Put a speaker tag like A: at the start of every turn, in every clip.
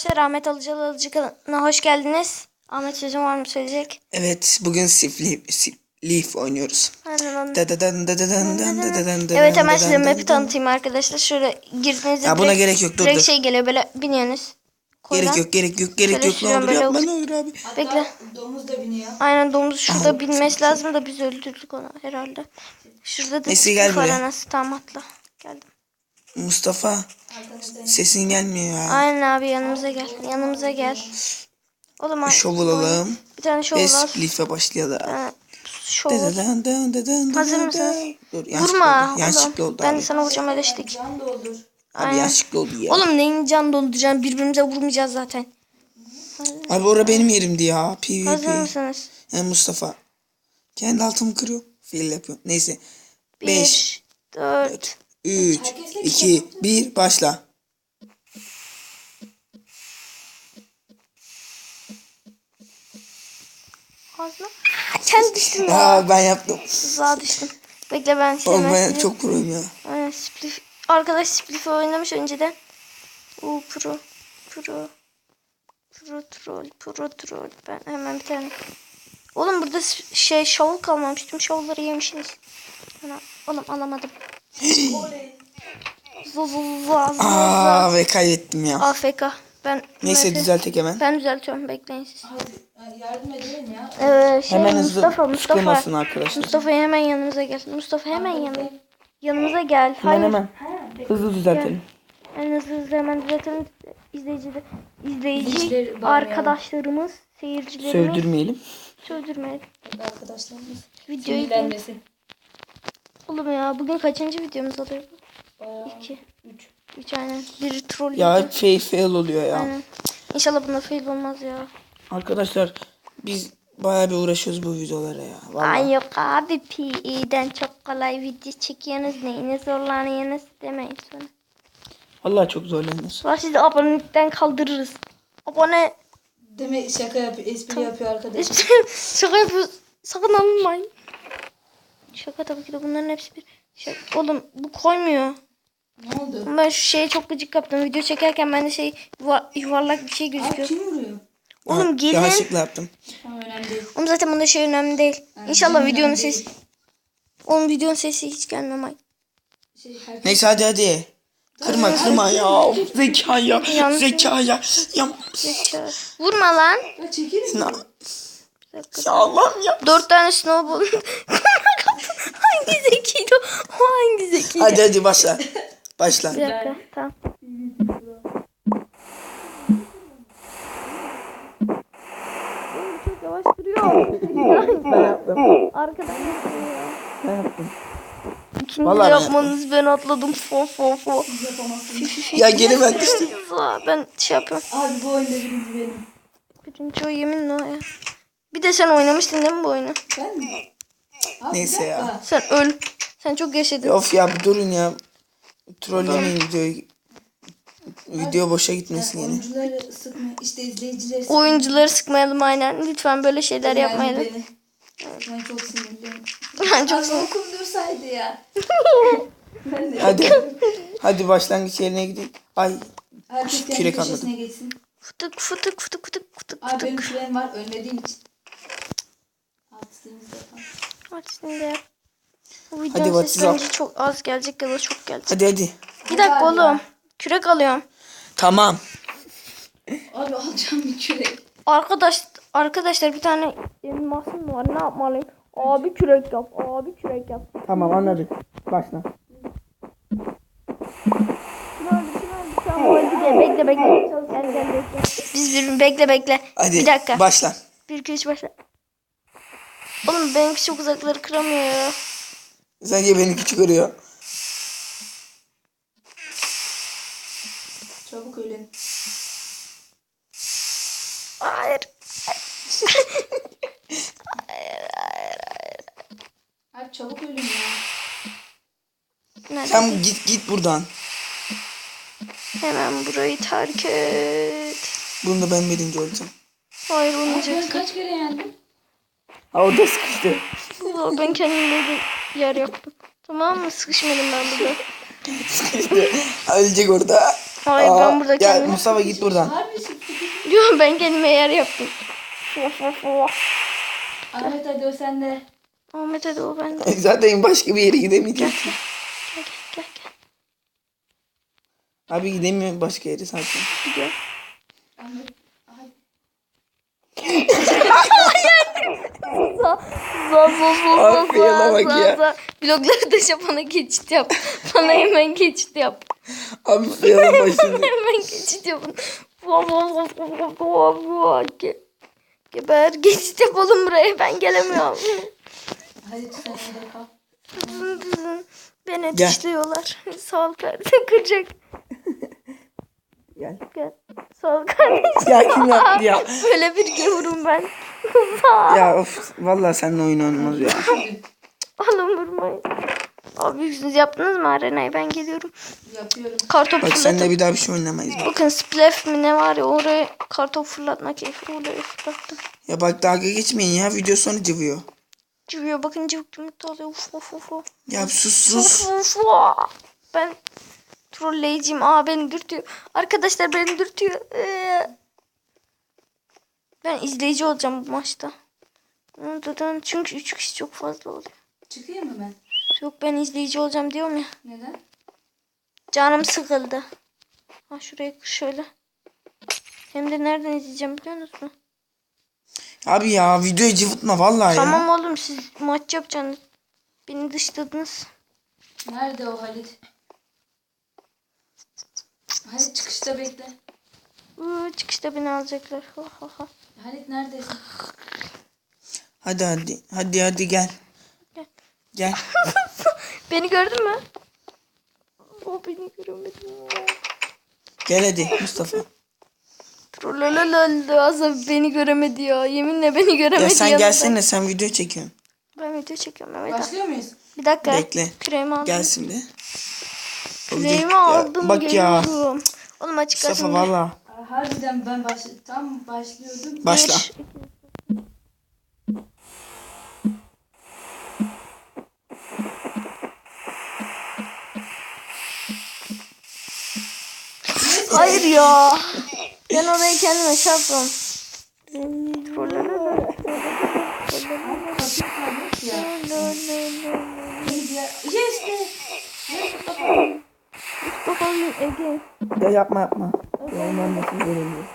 A: Arkadaşlar Ahmet Alıcı kanalına hoş geldiniz. Ahmet sözün var mı söyleyecek?
B: Evet, bugün Leaf oynuyoruz.
A: Evet, hemen size map'i tanıtayım arkadaşlar. Şöyle girdiğinizde
B: ya buna gerek yok, dur.
A: şey geliyor, böyle biniyorsunuz.
B: Gerek yok ne olur yapma, ne olur abi.
A: Bekle.
C: Domuz da biniyor.
A: Aynen, domuz şurada binmesi lazım da biz öldürdük onu herhalde. Şurada da
B: Neyse, gel buraya.
A: nasıl tam atla. Geldim.
B: Mustafa, sesin gelmiyor ya.
A: Aynen abi, yanımıza gel. Yanımıza gel. Oğlum
B: Şov alalım.
A: bir tane şov
B: Ve
A: al.
B: Leaf'e başlayalım.
A: Hazır mısınız?
B: Dur,
A: Vurma.
B: yanlışlıkla oldu
A: Ben de
B: abi.
A: sana vuracağım, eleştik.
C: Can doldur.
B: Abi yanlışlıkla oldu ya.
A: Oğlum neyin can dolduracağım? Birbirimize vurmayacağız zaten.
B: Abi orada benim yerimdi ya.
A: Hazır
B: PvP.
A: mısınız?
B: Mustafa. Kendi altımı kırıyor. Fail yapıyor. Neyse. 5,
A: 4.
B: 3, 2, 1 başla.
A: Fazla. Sen düştün ya.
B: Aa, ben yaptım.
A: Tuzağa düştüm. Bekle, ben
B: Oğlum ben
A: size
B: çok proyum ya.
A: Aynen, Spliff. Arkadaş Spliff'i oynamış önceden. Pro. Troll. Ben hemen bir tane. Oğlum burada şovul kalmamış. Tüm şovları yemişsiniz. Oğlum alamadım.
B: Aa, ve kaybettim ya.
A: AFK.
B: Neyse, düzeltek hemen.
A: Ben düzeltiyorum, bekleyin siz.
C: Hadi yardım edelim ya.
B: Hemen hızlı
A: Mustafa.
B: sıkılmasın arkadaşlar.
A: Mustafa hemen yanımıza gel. Mustafa hemen yanımıza gel. Hayır.
B: Hemen hızlı düzeltelim.
A: En hızlı hemen düzeltelim. İzleyici
C: İzleyicileri
A: arkadaşlarımız, seyircilerimiz. Söldürmeyelim.
C: Arkadaşlarımız
A: Videoyu
C: sinirlenmesin.
A: Oğlum ya, bugün kaçıncı videomuz oluyor?
C: Bayağı
A: 2.
C: 3.
A: 3 aynen. Bir troll
B: Ya
A: video.
B: hep fail oluyor ya.
A: Aynen. İnşallah bunda fail olmaz ya.
B: Arkadaşlar biz bayağı bir uğraşıyoruz bu videolara ya. Vallahi.
A: Ay yok abi, PE'den çok kolay video çekiyorsunuz. Neyine zorlanıyorsunuz demeyin sonra.
B: Vallahi çok zorlanıyoruz.
A: Sonra sizi abonelikten kaldırırız. Abone.
C: Demek şaka yapıyor, espri yapıyor arkadaş.
A: Şaka yapıyoruz. Sakın alınmayın. Şaka tabii ki de, bunların hepsi bir şaka. Oğlum bu koymuyor.
C: Ne oldu?
A: Ben şu şeye çok gıcık yaptım. Video çekerken bende yuvarlak bir şey
C: Abi
A: gözüküyor.
C: kim vuruyor?
A: Oğlum gelin.
B: Yanlışlıkla yaptım.
C: Tamam, önemli değil.
A: Oğlum zaten bunda şey önemli değil.
C: Yani
A: İnşallah
C: önemli
A: videonun
C: değil.
A: sesi. Oğlum videonun sesi hiç gelmiyor.
C: Herkes...
B: Neyse hadi. Kırma ya. Zeka ya.
A: Yanlış.
B: Zeka ya. Ya.
A: Vurma lan.
C: Ya çekilin.
B: Ya Allah'ım ya.
A: 4 tane snowball. Hangi zekiydi o? O hangi zekiydi?
B: Hadi başla. Başla.
A: Bir dakika, tamam. Oğlum çok yavaş duruyor.
B: Ben yaptım.
A: Arkadaşlar ya.
B: Ben yaptım.
A: İkinci
B: Vallahi ben
A: yapmanız, ben atladım. Fo.
B: Ya geri ben düştüm.
A: Ben şey yapıyorum.
C: Abi bu oyunda birinci benim.
A: Birinci o, yeminle o ya. Bir de sen oynamıştın değil mi bu oyunu?
C: Ben mi? Abi,
B: Neyse ya.
C: bir dakika.
A: Sen öl. Sen çok yaşadın.
B: Of ya, bir durun ya. Trollemeyin videoyu. Video boşa gitmesin yine.
C: Oyuncuları sıkma, işte izleyicileri sıkma.
A: Oyuncuları sıkmayalım aynen. Lütfen böyle şeyler
C: Yani
A: yapmayalım.
C: beni. Ben çok sinirliyim.
A: Ben çok
C: Abi okum dursaydı ya. Ben de.
B: Hadi başlangıç yerine gidelim. Ay,
C: Herkes kendi
B: kürek
C: köşesine
B: anladım.
C: geçsin.
A: Fıtık.
C: Abi benim kürem var ölmediğim için. Altısıyımızda yapalım.
A: Hadi şimdi yap. Bu
B: Hadi
A: videonun
B: bak,
A: sesi bence çok az gelecek ya da çok gelecek.
B: Hadi.
A: Bir dakika
C: Hadi ya.
A: oğlum. Kürek alıyorum.
B: Tamam.
C: Abi alacağım bir kürek.
A: Arkadaşlar bir tane elmasım var. Ne yapmalıyım? Abi kürek yap.
B: Tamam, anladık. Başla.
A: Bekle. Gel bekle. Biz bekle.
B: Hadi
A: Bir dakika.
B: başla.
A: 1 2 3 başla. Oğlum benimki çok uzakları kıramıyor ya.
B: Sence beni küçük görüyor.
C: Çabuk ölün.
A: Hayır.
C: Abi çabuk ölün ya.
A: Nerede?
B: Sen git buradan.
A: Hemen burayı terk et.
B: Bunda ben birinci olacağım.
A: Hayır,
C: Ben
A: olmayacak.
C: kaç kere yendim?
B: Ha, orada sıkıştı.
A: Ben kendime bir yer yaptım. Tamam mı? Sıkışmadım ben burada.
B: Sıkıştı. Ölecek orada.
A: Hayır, ben burada
B: Ya
A: kendim.
B: Mustafa, git buradan.
C: Harbi
A: Diyorum ben kendime yer yaptım.
C: Ahmet hadi o sende.
A: Ahmet hadi o bende.
B: Zaten başka bir yere gidemeyeceğim.
A: Gel gel.
B: Abi gidemiyorum başka yere zaten.
A: Gidiyorum.
C: Ahmet. Hadi.
B: Abi yana bak ya.
A: Vlogları da bana geçit yap. Bana hemen geçit yap.
B: Abi yana başını.
A: Hemen geçit yapın. Geber geçit yapalım buraya. Ben gelemiyorum.
C: Hadi sen orada kal.
A: Beni
B: Gel.
A: dışlıyorlar. Sağ ol kardeşim. Kıracak.
B: Gel.
A: Gel. Sağ ol kardeşim.
B: Ya kim yaptı ya?
A: Böyle bir gavurum ben.
B: Ya of vallahi seninle oyun olmaz ya.
A: Oğlum vurmayın. Abi siz yaptınız mı arenayı? Ben geliyorum.
C: Yapıyorum.
A: Kartopu
B: Bak seninle
A: fırlatıp.
B: bir daha bir şey oynamayız.
A: Bakın splef mi ne var ya oraya kartopu fırlatma keyfi. Oraya fırlattım.
B: Ya bak dalga geçmeyin ya video sonu cıvıyor.
A: Cıvıyor bakın cıvık yumurta oluyor. Uf uf uf uf.
B: Ya sus.
A: Uf uf uf. Ben trolleyiciyim. Beni dürtüyor. Arkadaşlar beni dürtüyor. Ben izleyici olacağım bu maçta. Çünkü 3 kişi çok fazla oluyor.
C: Çıkayım mı ben?
A: Yok ben izleyici olacağım diyorum ya.
C: Neden?
A: Canım sıkıldı. Ha şuraya şöyle. Hem de nereden izleyeceğim biliyor musun?
B: Abi ya videoyu cıvıtma vallahi ya.
A: Tamam oğlum siz maç yapacaksınız. Beni dışladınız.
C: Nerede o Halit? Halit çıkışta bekle.
A: Çıkışta beni alacaklar.
C: Halit neredesin?
B: Hadi gel. Gel.
A: Beni gördün mü? O beni göremedim.
B: Gel hadi Mustafa.
A: Azap beni göremedi ya. Yeminle beni göremedi.
B: Ya sen
A: yanında.
B: gelsene sen video çekiyorsun.
A: Ben video çekiyorum Mehmet.
C: Başlıyor muyuz?
A: Bir dakika.
B: Bekle.
A: Küreğimi aldım.
B: Gel şimdi.
A: Küreğimi aldım.
B: Bak ya.
A: Geliyorum. Oğlum açık
B: Mustafa
A: açın.
B: valla.
C: Harbiden ben tam başlıyordum.
B: Başla.
A: Hayır ya. Ben orayı kendime çarptım.
C: Kapıyı ya. Yes be.
A: Bakalım Ege.
B: Ya yapma. Ya onlar nasıl göremiyor.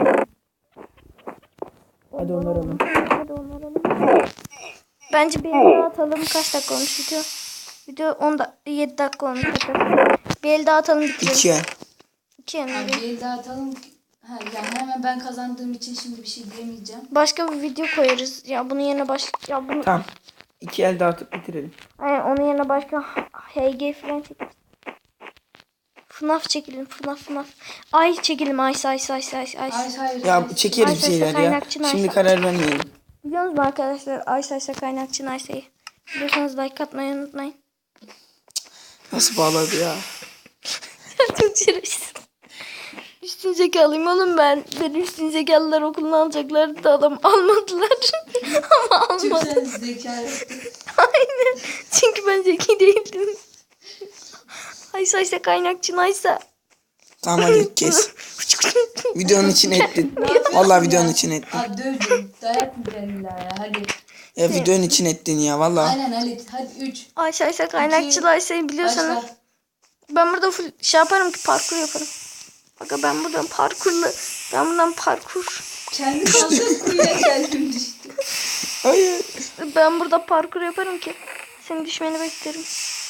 B: Hadi onlar alın.
A: Hadi onları alalım. Bence bir el daha atalım. Kaç dakika olmuş video? Video 7 dakika olmuş. Bir el daha atalım bitirelim.
B: 2 el.
A: 2 el mi?
C: Abi bir dağıtalım. Yani hemen ben kazandığım için şimdi bir şey diyemeyeceğim.
A: Başka bir video koyarız. Ya bunun yerine ya bunu
B: Tamam. 2 el dağıtıp bitirelim.
A: Aynen onun yerine başka HG falan çekeriz. FNAF çekelim. FNAF. Ay çekelim. Ay.
C: Hayır.
B: Ya çekeriz bir
A: Ay,
B: şeyler ya.
A: kaynakçı,
B: Şimdi
A: neyse.
B: karar vermeyelim.
A: Biliyor musunuz arkadaşlar? Ay kaynakçı Ayşe'yi. Biliyorsanız like atmayı unutmayın.
B: Nasıl bağladı ya?
A: Çok şerefsiz. Üstün zekalıyım oğlum ben. Beni üstün zekalılar okuluna alacaklardı da adam almadılar. Ama
C: Çok
A: almadı.
C: sen zekalı.
A: Aynen. Çünkü ben zeki değildim. Ayşe kaynakçı Ayşe.
B: Tamam hadi kes. Videonun için ettin. Vallahi videonun için ettin.
C: Abi dövdüm. Dayak mı illa ya? Hadi.
B: Ya videonun için ettin ya vallahi.
C: Aynen Halit. Hadi 3.
A: Ayşe kaynakçı Ayşe'yi biliyorsanız.
C: Başla.
A: Ben burada full şey yaparım ki parkur yaparım. Bak ben buradan parkur.
C: Kendi kaldığım kuyuya kendim düştüm.
B: Hayır.
A: Ben burada parkur yaparım ki. Senin düşmeni beklerim.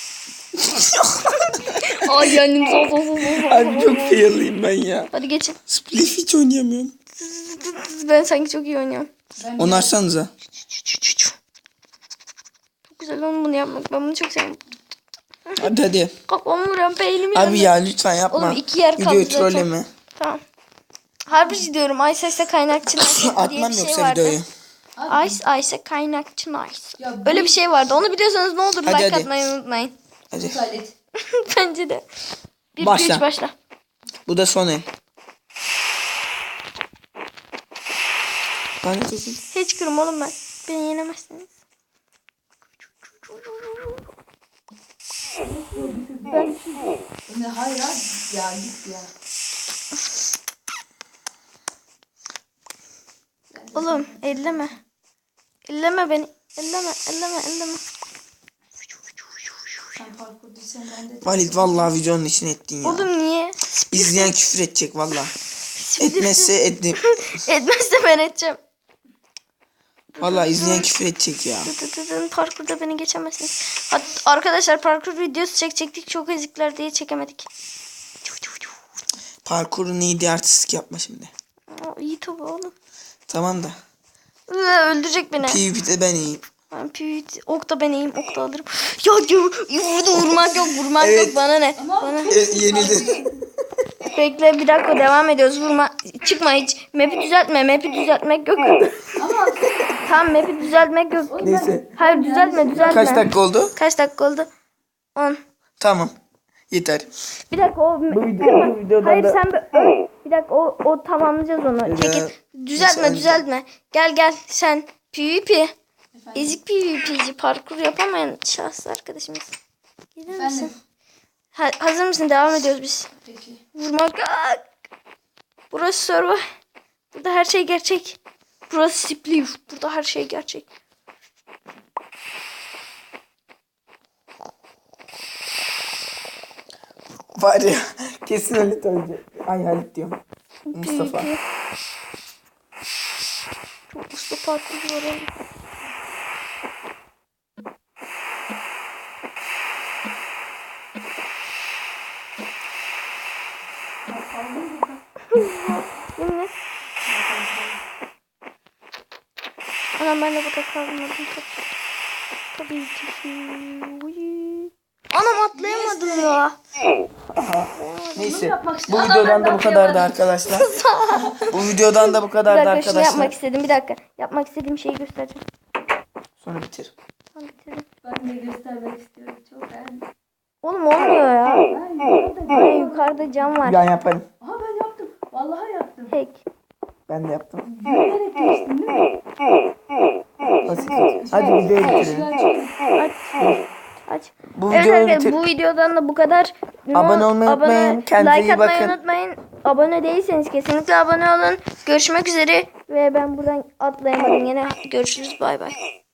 A: Ay yani.
B: Abi çok fail'liyim ben ya.
A: Hadi geçin.
B: Spliff hiç oynayamıyorum.
A: Ben sanki çok iyi oynuyorum.
C: Ben
B: Onu açsanıza.
A: Çok güzel oğlum bunu yapmak. Ben bunu çok seviyorum.
B: Hadi.
A: Kafamı vuran beynimi
B: Abi ya lütfen yapma.
A: Oğlum 2 yer kaldı
B: Videoyu
A: zaten.
B: trolleme.
A: Tamam. Harbici diyorum. Ayşe kaynakçı Ayşe diye
B: Atmam
A: bir şey
B: yoksa
A: vardı.
B: videoyu.
A: Ayşe kaynakçı Ayşe.
C: Ya bu-
A: Öyle bir şey vardı. Onu biliyorsanız ne olur
B: Hadi,
A: like
B: hadi.
A: atmayı unutmayın.
B: Hadi.
C: Halit.
A: Bence de. 1
B: Başla.
A: 3 başla.
B: Bu da son el. Lanet olsun.
A: Hiç kırım oğlum ben. Beni yenemezsiniz.
C: Ne hayır abi. Ya git ya.
A: Oğlum elleme. Elleme beni. Elleme.
C: Sen parkurduysan ben de...
B: Valid vallahi videonun içine ettin ya.
A: Oğlum niye?
B: İzleyen küfür edecek vallahi. Etmezse ettim.
A: Etmezse ben edeceğim.
B: Vallahi izleyen küfür edecek ya.
A: Parkurda beni geçemezsiniz. Arkadaşlar parkur videosu çekecektik. Çok ezikler diye çekemedik.
B: Parkurun iyiydi, artistik yapma şimdi.
A: İyi tabi oğlum.
B: Tamam da.
A: Öldürecek beni.
B: PvP'de ben iyiyim.
A: Ben ok da ben iyiyim. Ok da alırım. Burada vurmak yok. Vurmak
B: Evet.
A: yok. Bana ne? Bana.
B: Yenildin.
A: Bekle bir dakika devam ediyoruz. Vurma. Çıkma hiç. Map'i düzeltme. Map'i düzeltmek yok. Tamam map'i düzeltmek yok.
B: Neyse.
A: Hayır düzeltme.
B: Kaç dakika oldu?
A: Kaç dakika oldu? 10.
B: Tamam. Yeter.
A: Bir dakika o
B: videodan
A: hayır
B: da-
A: sen bir dakika o tamamlayacağız onu. Çekil.
B: Mesela-
A: Düzeltme. Gel sen PvP. Ezik PvP'ci parkur yapamayan şahsı arkadaşımız. Gelir misin?
C: Efendim.
A: Hazır mısın? Devam ediyoruz biz.
C: Peki.
A: Vurmak. Burası server. Burada her şey gerçek. Burası Spliff. Burada her şey gerçek.
B: Var ya. Kesin Halit ölecek. Ay Halit diyorum. Mustafa.
A: PvP. Çok usta parkur var oğlum. Yemin. Anam ben de burada kalmadım. Tabii ki. Uy. Anam atlayamadım ya.
B: Neyse.
C: yapmak
B: Bu
C: istedim.
B: videodan da bu kadardı arkadaşlar. Bu videodan da bu
A: Bir
B: kadardı
A: dakika şunu
B: arkadaşlar.
A: yapmak istedim. Bir dakika. Yapmak istediğim şeyi göstereceğim.
B: Sonra bitir.
A: Tamam bitirdim.
C: Ben de göstermek istiyorum. Çok beğendim.
A: Oğlum olmuyor ya.
C: Ben
A: Böyle yukarıda cam var.
B: Ben yaparım.
C: Aha ben yaptım. Vallahi yaptım.
A: Tek.
B: Ben de yaptım.
C: Yürüyerek geçtim değil mi?
B: Basit. Hadi videoyu bitirelim.
A: Aç. Aç.
B: Bu
A: Evet
B: videoyu
A: arkadaşlar
B: bitir.
A: bu videodan da bu kadar.
B: Abone olmayı unutmayın. Kendinize
A: Like
B: iyi
A: atmayı
B: bakın.
A: unutmayın. Abone değilseniz kesinlikle abone olun. Görüşmek üzere. Ve ben buradan atlayamadım. Yine görüşürüz. Bay bay.